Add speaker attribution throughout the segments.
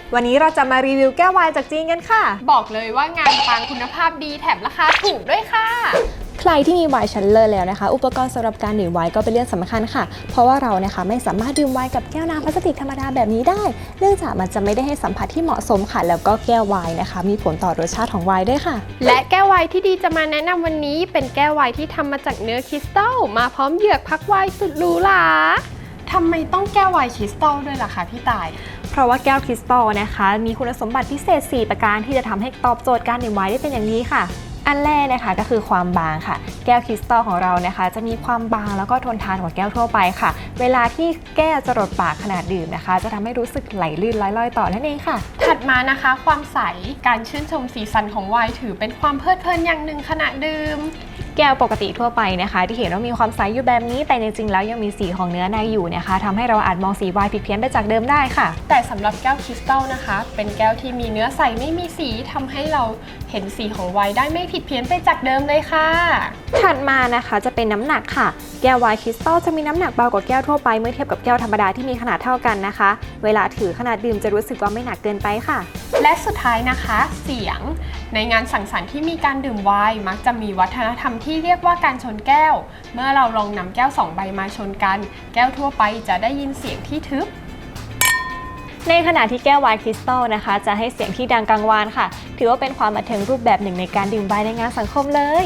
Speaker 1: วันนี้เราจะมารีวิวแก้ววายจากจีนกันค่ะ
Speaker 2: บอกเลยว่างานปังคุณภาพดีแถมราคาถูกด้วยค่ะ
Speaker 3: ใครที่มีไวน์ชั้นเลิศแล้วนะคะอุปกรณ์สำหรับการดื่มไวน์ก็เป็นเรื่องสำคัญค่ะเพราะว่าเรานะคะไม่สามารถดื่มไวน์กับแก้วน้ำพลาสติกธรรมดาแบบนี้ได้เนื่องจากมันจะไม่ได้ให้สัมผัสที่เหมาะสมค่ะแล้วก็แก้วไวน์นะคะมีผลต่อรสชาติของไวน์ด้วยค่ะ
Speaker 2: และแก้วไวน์ที่ดีจะมาแนะนำวันนี้เป็นแก้วไวน์ที่ทำมาจากเนื้อคริสตัลมาพร้อมเหยือกพักไวน์สุดหรูหราทำไมต้องแก้วไวน์คริสตัลด้วยล่ะคะพี่ต่าย
Speaker 1: เพราะว่าแก้วคริสตัลนะคะมีคุณสมบัติพิเศษ4ประการที่จะทำให้ตอบโจทย์การดื่มไวน์ได้เป็นอย่างดีค่ะอันแรกนะคะก็คือความบางค่ะแก้วคริสตัลของเรานะคะจะมีความบางแล้วก็ทนทานกว่าแก้วทั่วไปค่ะเวลาที่แก้วจะรดปากขนาดดื่มนะคะจะทำให้รู้สึกไหลลื่นลอยๆต่อนั่นเองค่ะ
Speaker 2: ถัดมานะคะความใสการชื่นชมสีสันของไวน์ถือเป็นความเพลิดเพลินอย่างหนึ่งขณะดื่ม
Speaker 1: แก้วปกติทั่วไปนะคะที่เห็นว่ามีความใสอยู่แบบนี้แต่จริงๆแล้วยังมีสีของเนื้อในอยู่นะคะทำให้เราอาจมองสีไวน์ผิดเพี้ยนไปจากเดิมได้ค่ะ
Speaker 2: แต่สำหรับแก้วคริสตัลนะคะเป็นแก้วที่มีเนื้อใสไม่มีสีทำให้เราเห็นสีของไวน์ได้ไม่ผิดเพี้ยนไปจากเดิมเลยค่ะ
Speaker 1: ถัดมานะคะจะเป็นน้ำหนักค่ะแก้วไวน์คริสตัลจะมีน้ำหนักเบากว่าแก้วทั่วไปเมื่อเทียบกับแก้วธรรมดาที่มีขนาดเท่ากันนะคะเวลาถือขนาดดื่มจะรู้สึกว่าไม่หนักเกินไปค่ะ
Speaker 2: และสุดท้ายนะคะเสียงในงานสังสรรค์ที่มีการดื่มไวน์มักจะมีวัฒนธรรมที่เรียกว่าการชนแก้วเมื่อเราลองนำแก้ว2ใบมาชนกันแก้วทั่วไปจะได้ยินเสียงที่ทึบ
Speaker 1: ในขณะที่แก้วไวน์คริสตัลนะคะจะให้เสียงที่ดังกังวานค่ะถือว่าเป็นความบันเทิงรูปแบบหนึ่งในการดื่มไวน์ในงานสังคมเลย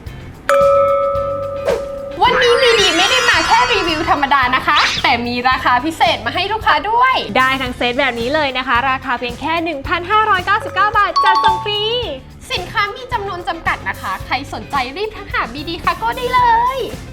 Speaker 2: วันนี้มีดีไม่ได้มาแค่รีวิวธรรมดานะคะแต่มีราคาพิเศษมาให้ลูกค้าด้วย
Speaker 1: ได้ทั้งเซตแบบนี้เลยนะคะราคาเพียงแค่ 1,599 บาทจัดส่งฟรี
Speaker 2: สินค้ามีจำนวนจำกัดนะคะใครสนใจรีบทักหาบีดีคาโก้ได้เลย